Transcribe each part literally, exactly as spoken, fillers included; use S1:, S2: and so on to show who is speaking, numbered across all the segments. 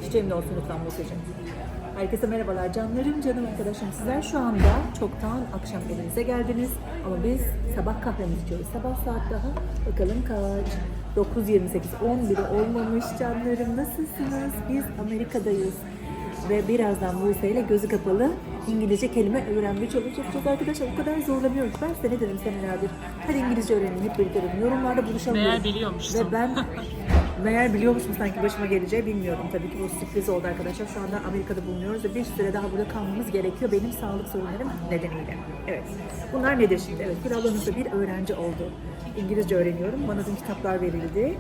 S1: çiçeğim de olsun lütfen Buse'cim. Herkese merhabalar canlarım, canım arkadaşım. Sizler şu anda çoktan akşam evinize geldiniz. Ama biz sabah kahvemizi içiyoruz. Sabah saat daha bakalım kaç? dokuz yirmi sekiz, on biri olmamış canlarım. Nasılsınız? Biz Amerika'dayız. Ve birazdan Buse ile gözü kapalı İngilizce kelime öğrenmeye çalışacağız arkadaşlar. O kadar zorlanıyoruz. Ben size ne dedim senelerdir? Hadi İngilizce öğrenin, hep birlikte öğrenin. Yorumlarda buluşalım.
S2: Meğer biliyormuşsun.
S1: Ve ben meğer biliyormuşum sanki başıma geleceği bilmiyorum. Tabii ki bu sürpriz oldu arkadaşlar. Şu anda Amerika'da bulunuyoruz ve bir süre daha burada kalmamız gerekiyor. Benim sağlık sorunlarım nedeniyle. Evet. Bunlar nedir şimdi? Evet. Bir ablanızda bir öğrenci oldu. İngilizce öğreniyorum. Bana dün kitaplar verildi.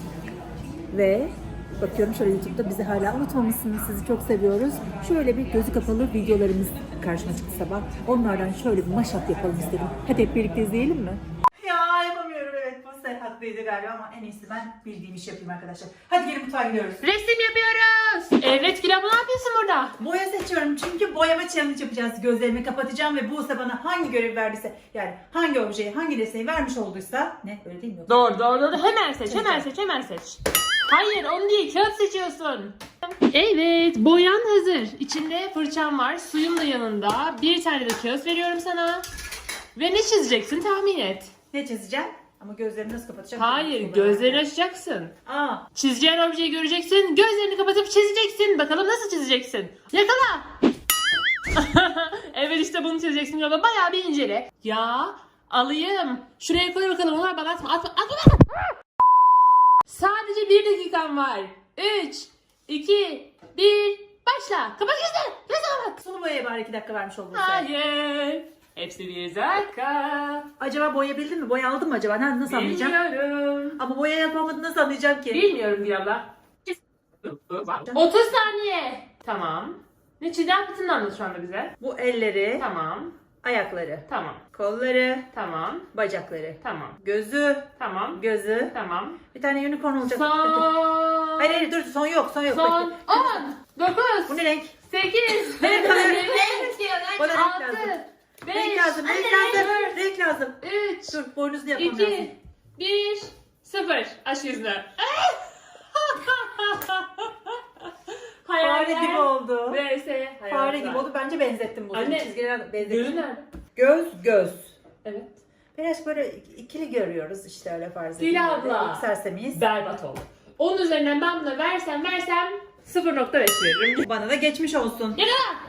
S1: Ve bakıyorum şöyle YouTube'da bizi hala unutmamışsınız. Sizi çok seviyoruz. Şöyle bir gözü kapalı videolarımız karşıma çıktı sabah. Onlardan şöyle bir mashup yapalım istedim. Hadi hep birlikte izleyelim mi? Ya yapamıyorum, evet. Bu sefer haklıydı galiba ama en iyisi ben bildiğim işi yapayım arkadaşlar. Hadi gelin mutfağa gidiyoruz.
S2: Resim yapıyoruz. Evet Gül abla, ne yapıyorsun burada?
S1: Boya seçiyorum çünkü boyama challenge yapacağız. Gözlerimi kapatacağım ve Buse bana hangi görevi verdiyse, yani hangi objeyi, hangi nesneyi vermiş olduysa, ne öyle değil mi?
S2: Doğru doğru doğru. Hemen seç, hemen seç, hemen seç. Hayır, onu değil, kağıt seçiyorsun. Evet, boyan hazır. İçinde fırçam var, suyum da yanında. Bir tane de kağıt veriyorum sana. Ve ne çizeceksin, tahmin et.
S1: Ne çizeceğim? Ama gözlerimi nasıl kapatacağım?
S2: Hayır, gözlerini açacaksın.
S1: Aa.
S2: Çizeceğin objeyi göreceksin, gözlerini kapatıp çizeceksin. Bakalım nasıl çizeceksin? Yakala! Evet, işte bunu çizeceksin. Yola bayağı bir incele. Ya, alayım. Şuraya koy bakalım, onlar bana atma. Atma, atma. Sadece bir dakikan var. Üç, iki, bir, başla. Kapat gözlerini. Ne zaman?
S1: Sulu boyaya bari iki dakika vermiş oldun sen.
S2: Hayır. Hepsi bir dakika.
S1: Acaba boyayabildin mi? Boya aldın mı acaba? Ha, nasıl anlayacağım?
S2: Bilmiyorum.
S1: Ama boya yapamadın, nasıl anlayacağım ki?
S2: Bilmiyorum bir abla. otuz saniye. Tamam. Ne çiğdem fıtığını anlat şu anda bize.
S1: Bu elleri,
S2: Tamam.
S1: ayakları,
S2: Tamam.
S1: kolları,
S2: Tamam.
S1: bacakları,
S2: Tamam.
S1: gözü,
S2: Tamam.
S1: gözü.
S2: Tamam.
S1: Bir tane unicorn olacak.
S2: Son.
S1: Hayır hayır dur, son yok, son yok.
S2: Son.
S1: Bekle.
S2: on. dokuz.
S1: Bu ne renk?
S2: sekiz.
S1: Renk alıyor.
S2: yedi.
S1: Bana renk lazım.
S2: altı. beş.
S1: Renk lazım, renk lazım, renk lazım.
S2: üç.
S1: Dur, boynuzlu yapmam lazım.
S2: iki. bir. sıfır. Aç yüzünü.
S1: Fare gibi oldu.
S2: V S.
S1: Fare gibi oldu. Bence benzettim bunu.
S2: Anne,
S1: Çizgiler benzettim.
S2: Gözü nerede?
S1: Göz, göz.
S2: Evet.
S1: Biraz böyle ikili görüyoruz işte, öyle farz
S2: Dila
S1: edin.
S2: abla.
S1: Sersemiyiz.
S2: Berbat oldu. onun üzerinden ben buna versem versem sıfır nokta beş veririm.
S1: Bana da geçmiş olsun.
S2: Yakala!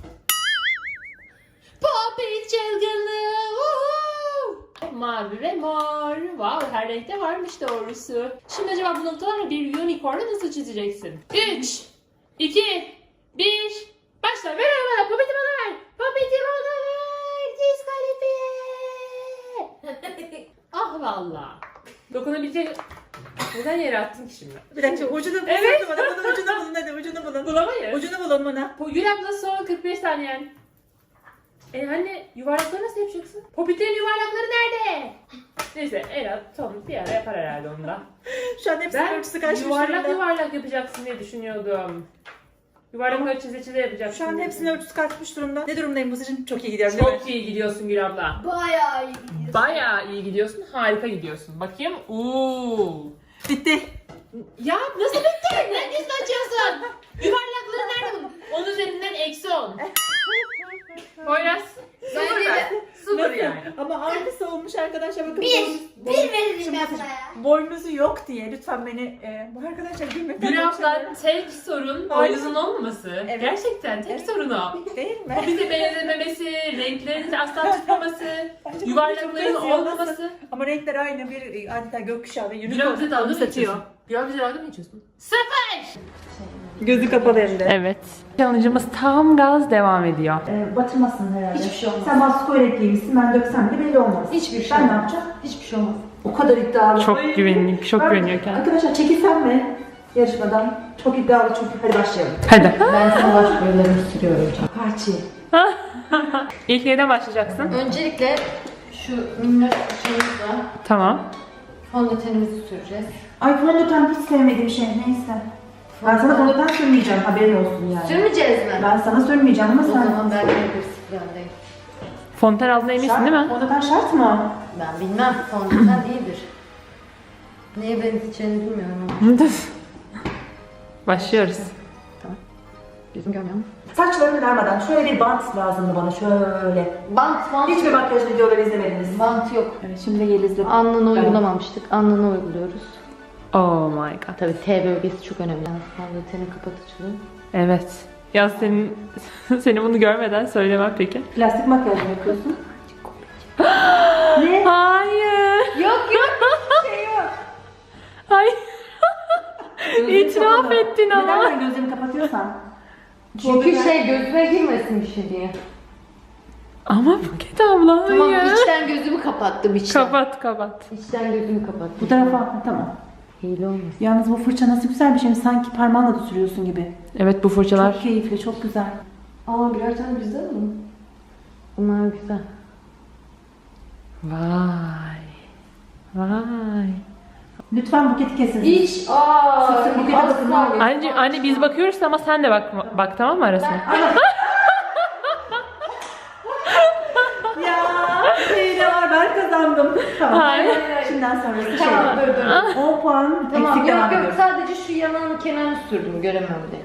S2: Popit çılgınlığı. Uhu! Mavi ve mor. Wow, her renkte varmış doğrusu. Şimdi acaba bu noktalarla bir unicorn'u nasıl çizeceksin? üç, iki, bir, başla. Ver bana, Popit'i bana ver. Popit'i bana ver. Diskalifiye. Ah valla. Dokunabilecek... Neden yere attın ki şimdi?
S1: Bir dakika, ucunu bulun.
S2: Evet.
S1: Bana, bunun ucunu bulun, hadi ucunu bulun.
S2: Bulamayız.
S1: Ucunu bulun bana.
S2: Bu Gül abla son kırk beş saniyen. E anne, yuvarlakları nasıl yapacaksın? Popitlerin yuvarlakları nerede? Neyse Ela son bir ara yapar herhalde onu da.
S1: Şu an hepsinin
S2: Ben
S1: ölçüsü kaçmış
S2: yuvarlak
S1: durumda.
S2: yuvarlak yapacaksın diye düşünüyordum. Yuvarlakları çize çize yapacaksın.
S1: Şu an hepsinin ölçüsü kaçmış durumda. Ne durumdayım bu seçim? Çok iyi gidiyorum.
S2: Çok iyi gidiyorsun Gül abla.
S3: Bayağı iyi gidiyorsun.
S2: Bayağı iyi gidiyorsun, harika gidiyorsun. Bakayım. Uuu.
S1: Bitti.
S2: Ya nasıl bitti? Neredeyse açıyorsun? Yuvarlakları nerede bunun? Onun üzerinden eksi on. Poyraz.
S3: Bence de
S2: Sıfır
S1: Nasıl?
S2: yani.
S1: Ama aynısı olmuş arkadaşlar, bakın.
S3: bir.
S1: boynuz-
S3: Bir veririm
S1: Şimdi
S3: ben
S1: bakın,
S3: sana ya.
S1: boynuzu yok diye lütfen beni e, bu arkadaşlar gülmekten
S2: Gül abla
S1: konuşamıyorum.
S2: tek sorun
S1: Hayır.
S2: boynuzun olmaması.
S1: Evet.
S2: Gerçekten tek
S1: Evet.
S2: sorun o.
S1: Değil mi?
S2: Bize benzememesi, renklerin asla tutmaması,
S1: Bence bu
S2: yuvarlakların
S1: çok benziyor.
S2: olmaması.
S1: Ama renkler aynı, bir e, adeta gökkuşağı ve
S2: Gül abla
S1: unicorn
S2: dalga mı
S1: satıyor.
S2: geçiyorsun? Gül abla dalga mı geçiyorsun? Sıfır!
S1: Gözü kapalı hem de.
S2: Evet. Challenge'ımız tam gaz devam ediyor.
S1: Ee, batırmasın herhalde.
S3: Hiçbir şey olmaz.
S1: Sen baskı öğretliğimsin, ben döksem de belli olmaz.
S3: Hiçbir şey
S1: Ben ne
S3: olmaz.
S1: yapacağım?
S3: Hiçbir şey olmaz.
S1: O kadar iddialı.
S2: Çok
S1: Ay.
S2: güveniyor, çok
S1: Ben-
S2: güveniyor kendine.
S1: Arkadaşlar çekilsem mi yarışmadan? Çok iddialı çünkü. Hadi başlayalım.
S2: Hadi.
S3: Ben sana baş boyalarını sürüyorum canım.
S1: Parçayı.
S2: İlk neyden başlayacaksın?
S3: Öncelikle şu minnoş şeyimizle
S2: Tamam.
S3: fondötenimizi süreceğiz.
S1: Ay fondöten hiç sevmediğim şey, neyse. Ben sana fondöten sürmeyeceğim, haberin olsun yani.
S3: Sürmeyeceğiz mi?
S1: Ben sana sürmeyeceğim ama
S3: O
S1: sen...
S3: zaman ben de bir sıfırlandayım.
S2: Fonten aldığına eminsin
S1: Şart-
S2: değil mi?
S1: Fondöten şart mı?
S3: Ben bilmem. Fondöten iyidir. Neye benzeyeceğini bilmiyorum ama.
S2: Başlıyoruz.
S3: Tamam. Gözüm görmüyor mu?
S1: Saçlarını darmadan şöyle bir bant lazımdı bana şöyle.
S3: Bant, bant.
S1: Hiçbir makyaj videoları izlemediniz.
S3: Bant yok.
S1: Evet şimdi Yeliz'le.
S3: Alnını uygulamamıştık. Alnını uyguluyoruz.
S2: Oh my god.
S3: Tabii T bölgesi çok önemli. Fondöteni kapatıcılığı.
S2: Evet. Ya senin seni bunu görmeden söylemem peki.
S1: Plastik makyaj mı yapıyorsun? Ne?
S2: Hayır.
S3: Yok yok. Şey yok.
S2: Hayır.
S1: Gözlerini
S2: İtiraf
S1: kapalı.
S2: ettin ama.
S1: Neden ben gözlerimi kapatıyorsam?
S3: Çünkü şey gözüme girmesin bir şey diye.
S2: Ama Buket abla
S3: Tamam
S2: hayır.
S3: içten gözümü kapattım içten.
S2: Kapat kapat.
S3: İçten gözümü kapattım.
S1: Bu tarafa. Ha, tamam.
S3: Hile olmasın.
S1: Yalnız bu fırça nasıl güzel bir şey. Sanki parmağınla da sürüyorsun gibi.
S2: Evet bu fırçalar.
S1: Çok keyifli, çok güzel.
S3: Aa birer tane bizde mi? Bunlar güzel.
S2: Vay. Vay.
S1: Lütfen buketi kesin.
S3: İç. Aa.
S1: Sık sık bukete bakın.
S2: Anne, anne biz bakıyoruz ama sen de bak bak tamam mı arasına?
S1: Ya şey de var ben kazandım. Tamam.
S2: Hayır.
S1: Şimdiden sonrası şey.
S3: Tamam dur dur.
S1: on puan
S3: Tamam
S1: eksik devam
S3: yok yok
S1: ediyoruz.
S3: sadece şu yanağın kenarını sürdüm göremem diye.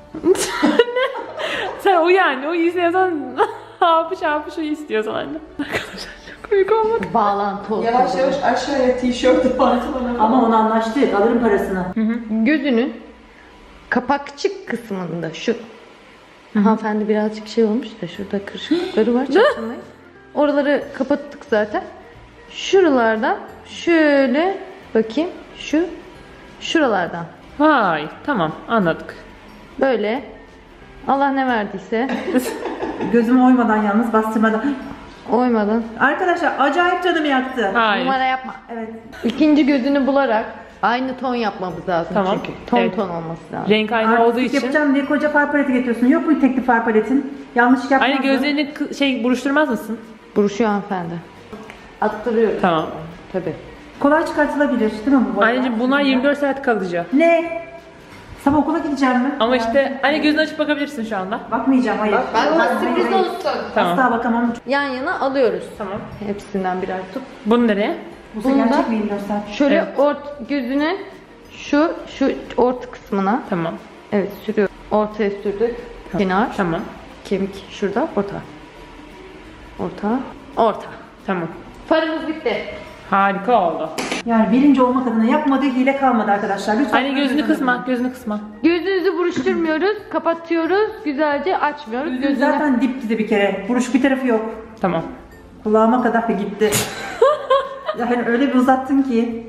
S2: Sen o yani o istiyorsan hapış hapış o istiyorsan anne. Arkadaşlar çok komik olmadı.
S3: Bağlantı olsun.
S4: Yavaş yavaş aşağıya tişört pantolonu.
S1: Ama onu anlaştık. Alırım parasını.
S3: Gözünün kapakçık kısmında şu. Hanımefendi birazcık şey olmuş da şurada kırışıklıkları var çatlamayı. Oraları kapattık zaten. Şuralardan şöyle bakayım şu şuralardan
S2: Vay tamam anladık.
S3: böyle Allah ne verdiyse
S1: Gözümü oymadan yalnız bastırmadan.
S3: oymadan
S1: Arkadaşlar acayip canımı yaktı.
S2: Hayır.
S3: numara yapma.
S1: Evet.
S3: İkinci gözünü bularak aynı ton yapmamız lazım
S2: Tamam.
S3: çünkü. Ton
S2: Evet.
S3: ton olması lazım.
S2: Renk aynı olduğu
S1: Artistik
S2: için.
S1: yapacağım diye koca far paleti getiriyorsun. Yok mu tekli far paletin? Yanlış yapmazsın.
S2: Anne gözlerini kı- şey buruşturmaz mısın?
S3: Buruşuyor hanımefendi. Attırıyoruz.
S2: Tamam.
S3: Tabii.
S1: Kolay çıkartılabilir değil mi bu boyalar?
S2: Anneciğim bunlar yirmi dört saat kalıcı.
S1: Ne? Sabah okula gideceğim mi?
S2: Ama işte anne gözünü açıp bakabilirsin şu anda.
S1: Bakmayacağım hayır.
S3: Ben
S1: Hayır,
S3: sürpriz
S1: hayır.
S3: olsun.
S2: Tamam.
S1: Asla bakamam.
S3: Yan yana alıyoruz.
S2: Tamam.
S3: Hepsinden birer tut.
S2: Bunu nereye?
S1: Bu
S3: Bunda-
S1: gerçek mi yirmi dört saat?
S3: Şöyle
S2: Evet.
S3: ort gözünün şu şu orta kısmına
S2: Tamam.
S3: evet sürüyor. Ortaya sürdük. Kenar.
S2: Tamam.
S3: Kemik şurada. Orta. Orta. Orta.
S2: Tamam.
S3: Farımız bitti.
S2: Harika oldu.
S1: Yani birinci olmak adına yapmadığı hile kalmadı arkadaşlar. Lütfen.
S2: Anne gözünü kısma, gözünü kısma.
S3: Gözünüzü buruşturmuyoruz. Kapatıyoruz. Güzelce açmıyoruz.
S1: Gözüm
S3: Gözünü
S1: zaten dip dizi bir kere. Buruşuk bir tarafı yok.
S2: Tamam.
S1: Kulağıma kadar da gitti. Yani öyle bir uzattın ki.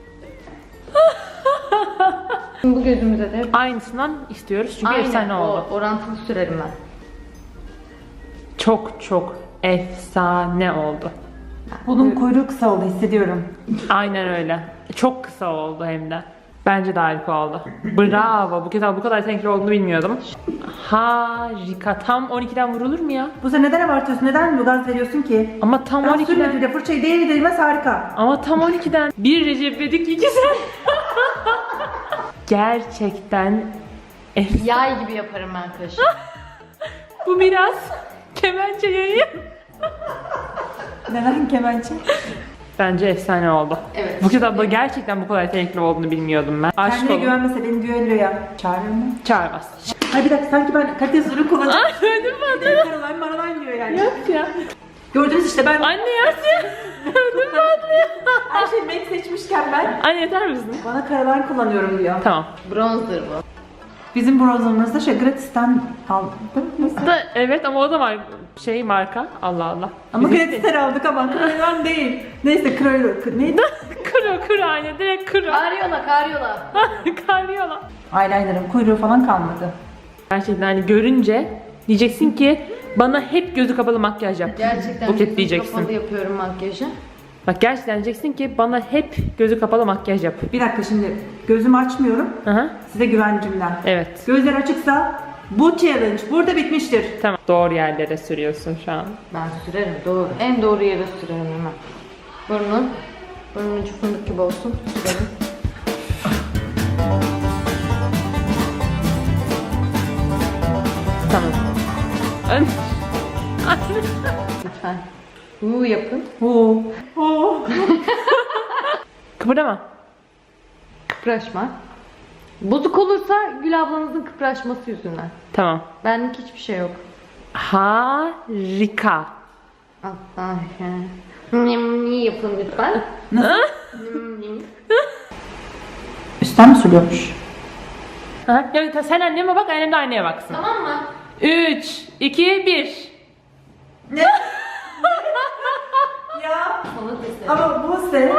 S3: bu gözümüze de
S2: Aynısından istiyoruz çünkü
S3: aynen
S2: efsane oldu.
S3: o orantılı sürerim ben.
S2: Çok çok efsane oldu.
S1: Bunun kuyruğu kısa oldu hissediyorum.
S2: Aynen öyle. Çok kısa oldu hem de. Bence de harika oldu. Bravo. Bu kadar bu kadar renkli olduğunu bilmiyordum. Harika. Tam on ikiden vurulur mu ya?
S1: Bu sefer neden abartıyorsun? Neden bu gaz veriyorsun ki?
S2: Ama tam
S1: Ben
S2: on ikiden.
S1: sürmedim de fırçayı değeri değmez harika.
S2: Ama tam on ikiden. Bir Recep İvedik iki sen. Gerçekten ef-
S3: Yay gibi yaparım ben kaşı.
S2: bu biraz kemençe yayı.
S1: Neden kemençe?
S2: Bence efsane oldu.
S3: Evet.
S2: Bu kitapta gerçekten bu kadar yetenekli olduğunu bilmiyordum ben. Aşk
S1: Kendine
S2: olun.
S1: güvenmese beni düelloya çağırır mı?
S2: Çağırmaz.
S1: Hayır bir dakika sanki ben kalitesiz ürün kullanacağım.
S2: Öldüm ben de.
S1: Caroline Maraline diyor yani.
S2: Yok ya.
S1: Gördünüz işte ben
S2: Anne yersin. Öldüm ben de.
S1: her şeyi Mac seçmişken ben
S2: Anne yeter misin?
S1: bana Caroline kullanıyorum diyor.
S2: Tamam.
S3: Bronzer bu.
S1: Bizim bronzerımızda şey gratisten aldım. Neyse.
S2: Da, evet ama o da var şey marka. Allah Allah.
S1: Ama
S2: Bizim-
S1: gratisten aldık ama Caroline değil. Neyse Caroline neydi?
S2: Kuru kuru anne direkt kuru.
S3: Karyola karyola.
S2: Karyola.
S1: Eyeliner'ın kuyruğu falan kalmadı.
S2: Gerçekten hani görünce diyeceksin ki bana hep gözü kapalı makyaj yap.
S3: Gerçekten
S2: Buket
S3: gözüm
S2: diyeceksin.
S3: kapalı yapıyorum makyajı.
S2: Bak gerçekten diyeceksin ki bana hep gözü kapalı makyaj yap.
S1: Bir dakika şimdi gözümü açmıyorum.
S2: Hı hı.
S1: Size güvencimden.
S2: Evet.
S1: Gözler açıksa bu challenge burada bitmiştir.
S2: Tamam. Doğru yerlere sürüyorsun şu an.
S3: Ben sürerim doğru. En doğru yere sürerim hemen. Burnun. Burnun ucu fındık gibi olsun. Sürerim.
S2: Tamam. Ön-
S3: Lütfen. Uuu yapın.
S1: Oo. Oo.
S2: Kıpırdama.
S3: Kıpraşma. Bozuk olursa Gül ablanızın kıpraşması yüzünden.
S2: Tamam.
S3: Benlik hiçbir şey yok.
S2: Harika.
S3: Allah Niye yapın lütfen?
S1: Üstten mi sürüyormuş?
S2: Ha? Ya, sen anneme bak, annem de anneye baksın.
S3: Tamam mı?
S2: üç, iki, bir.
S1: Ne? Ya
S3: Sana teslim.
S1: ama bu sen.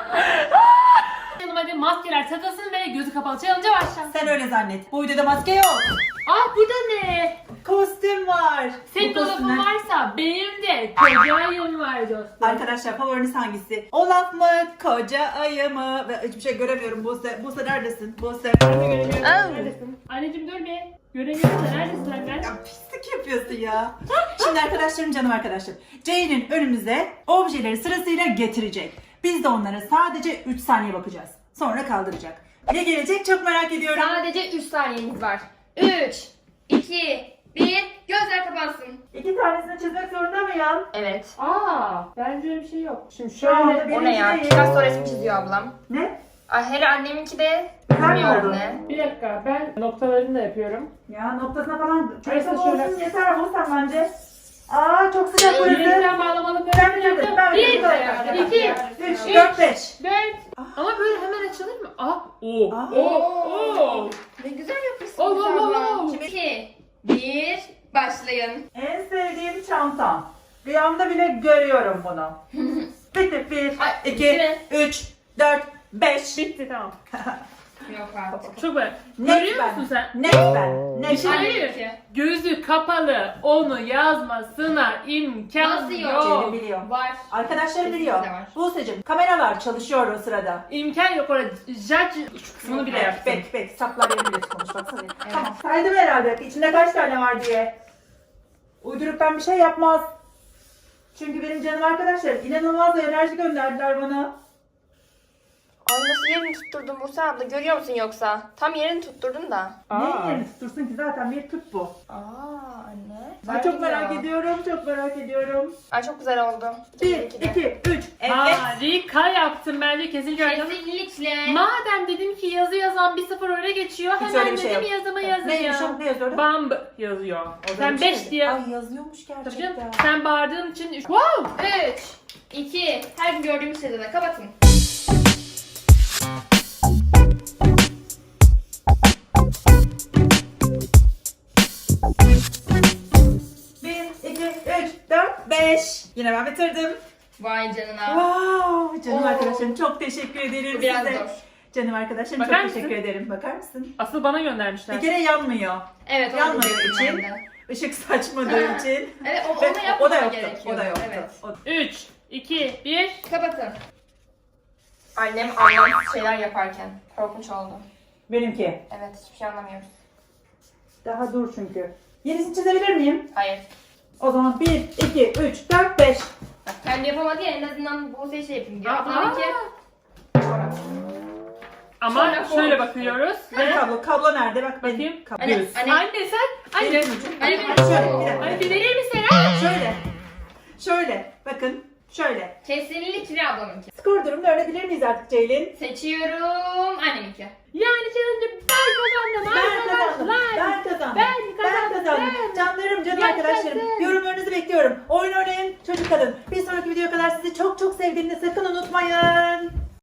S2: Hadi maskeler takılsın ve gözü kapalı challenge'a başla.
S1: Sen öyle zannet. Bu videoda maske yok.
S2: Aa, burada ne?
S1: Kostüm var.
S2: Senin
S1: Bu
S2: dolabın
S1: kostümler-
S2: varsa benim de koca ayım var dostum.
S1: Arkadaşlar favoriniz hangisi? Olaf mı? Koca ayı mı? Ve hiçbir şey göremiyorum Buse. Buse neredesin? Buse. Ben de göremiyorum. Neredesin?
S2: Anneciğim dur bir. Göremiyorum da neredesin anne?
S1: Ya pislik yapıyorsun ya. Şimdi arkadaşlarım, canım arkadaşlarım. Jane'in önümüze objeleri sırasıyla getirecek. Biz de onlara sadece üç saniye bakacağız. Sonra kaldıracak. Ne gelecek çok merak ediyorum.
S5: Sadece üç saniyeniz var. üç, iki, bir, gözler kapansın.
S1: İki tanesini çizmek zorunda mıyım?
S5: Evet.
S2: Aa, bence öyle bir şey yok. Şimdi
S1: Şu anda
S2: şöyle.
S5: O ne ya?
S1: birinci
S5: Picasso resmi çiziyor ablam.
S1: Ne?
S5: Ay, hele anneminki de
S1: Güzel mi
S5: bilmiyorum
S1: oldu?
S5: ne.
S2: Bir dakika, ben noktalarını da yapıyorum.
S1: Ya noktasına falan
S2: Neyse,
S1: çok
S2: şöyle-
S1: olsun yeter olsan bence. Aa çok sıcak burası.
S2: Yeniden bağlamalı
S1: Ben
S2: böyle
S1: biliyorum, ben
S2: bir,
S1: biliyorum.
S2: iki,
S1: Üç,
S2: üç,
S1: dört, beş.
S2: dört. Ama böyle hemen açılır mı? Aa, oo,
S1: Aa.
S2: oo, oo.
S5: Ne güzel yapmışsın
S2: Oh, oh, oh,
S5: ablam.
S2: oh.
S5: Şimdi iki, bir, başlayın.
S1: En sevdiğim çantam. Rüyamda bile görüyorum bunu. Bitti. Bir,
S5: Ay,
S1: iki,
S5: bitti.
S1: üç, dört, beş.
S2: Bitti, tamam.
S5: Yok artık.
S2: Çok böyle.
S1: Net
S2: Görüyor
S1: ben.
S2: musun sen?
S1: Net ben. Net
S2: Bir şey
S1: ben.
S2: hayır. Gözü kapalı onu yazmasına imkan
S5: Nasıl yok?
S2: yok.
S1: Ceylin biliyor.
S5: Var.
S1: Arkadaşlarım biliyor.
S5: Kesinlikle var.
S1: Buse'cim kameralar çalışıyor o sırada.
S2: İmkan yok orada. Judge şu kısmını bile yapsın.
S1: Bek bek saplar yerinde konuş baksana. Tamam. Saydım herhalde içinde kaç tane var diye. Uydurup ben bir şey yapmaz. Çünkü benim canım arkadaşlarım inanılmaz bir enerji gönderdiler bana.
S5: Ay, nasıl yerini tutturdun Buse abla, görüyor musun yoksa? Tam yerini tutturdun da.
S1: Neyin yerini tutursun ki zaten bir tüp bu.
S5: Aa anne.
S1: Ay,
S5: Güzel
S1: çok merak
S5: gidiyor.
S1: ediyorum, çok merak ediyorum.
S5: Ay, çok güzel oldu.
S1: Bir,
S5: İki de.
S1: iki, üç. Evet.
S2: Harika yaptın bence, kesinlikle öyle.
S5: Kesinlikle.
S2: Madem dedim ki yazı yazan bir sıfır öne geçiyor,
S1: Hiç
S2: hemen
S1: öyle bir şey
S2: dedim
S1: yok.
S2: yazımı
S1: Neymiş
S2: yazıyor.
S1: o? Ne yazıyor orada?
S2: Bamb yazıyor.
S1: Orada
S2: Sen
S1: bir şey
S2: beş
S1: mi?
S2: diye.
S1: Ay yazıyormuş
S2: Tabii
S1: gerçekten.
S2: canım, sen bağırdığın için üç. Wow!
S5: üç, iki, her gün gördüğümüz şeyde kapatın.
S1: Bir, iki, üç, dört, beş. Yine ben bitirdim.
S5: Vay canına.
S1: Wow, canım
S5: Oo.
S1: arkadaşlarım çok teşekkür ederim
S5: Bu biraz
S1: size.
S5: zor.
S1: Canım arkadaşlarım
S2: Bakar
S1: çok
S2: mısın?
S1: teşekkür ederim. Bakar mısın?
S2: Asıl bana
S1: Bir
S2: göndermişler.
S1: kere yanmıyor.
S5: Evet, onu
S1: Yanmadığı
S5: diyecektim
S1: için,
S5: ben de.
S1: ışık saçmadığı için.
S5: Evet, o,
S1: Ve
S5: onu
S1: o da
S5: yapmama
S1: yoktu.
S5: gerekiyor.
S1: O da yoktu.
S5: Evet.
S1: O-
S2: üç, iki, bir.
S5: Kapatın. Annem anlamsız şeyler yaparken. Korkunç oldu.
S1: Benimki.
S5: Evet, hiçbir şey anlamıyoruz.
S1: Daha dur çünkü. Yenisini çizebilir miyim?
S5: Hayır.
S1: O zaman bir, iki, üç, dört, beş.
S5: Bak, kendi yapamadı ya, en azından bu şey yapayım diyor.
S2: Aa.
S5: Ablamınki çorap.
S2: Ama
S5: Sonra
S2: şöyle
S5: kork.
S2: bakıyoruz
S1: Ve
S2: ve
S1: kablo. Kablo nerede? Bak benim.
S2: bakayım.
S1: Kablo.
S5: Anne,
S1: Düz.
S5: anne,
S2: Anne sen, anne.
S5: anne,
S1: Şöyle, bir dakika.
S2: Anne bir verir misin ha?
S1: Şöyle. Şöyle. Bakın. Şöyle.
S5: kesinlikle ablamınki.
S1: Skor durumunu öğrenebilir miyiz artık Ceylin?
S5: Seçiyorum anneminki.
S2: Yani challenge'ı ben kazandım
S1: Ben kazandım.
S2: arkadaşlar.
S1: Ben kazandım.
S2: Ben kazandım.
S1: kazandım. Canlarım, canım
S2: Yaşasın.
S1: arkadaşlarım. Yorumlarınızı bekliyorum. Oyun oynayın, çocuk kalın. Bir sonraki videoya kadar sizi çok çok sevdiğimi sakın unutmayın.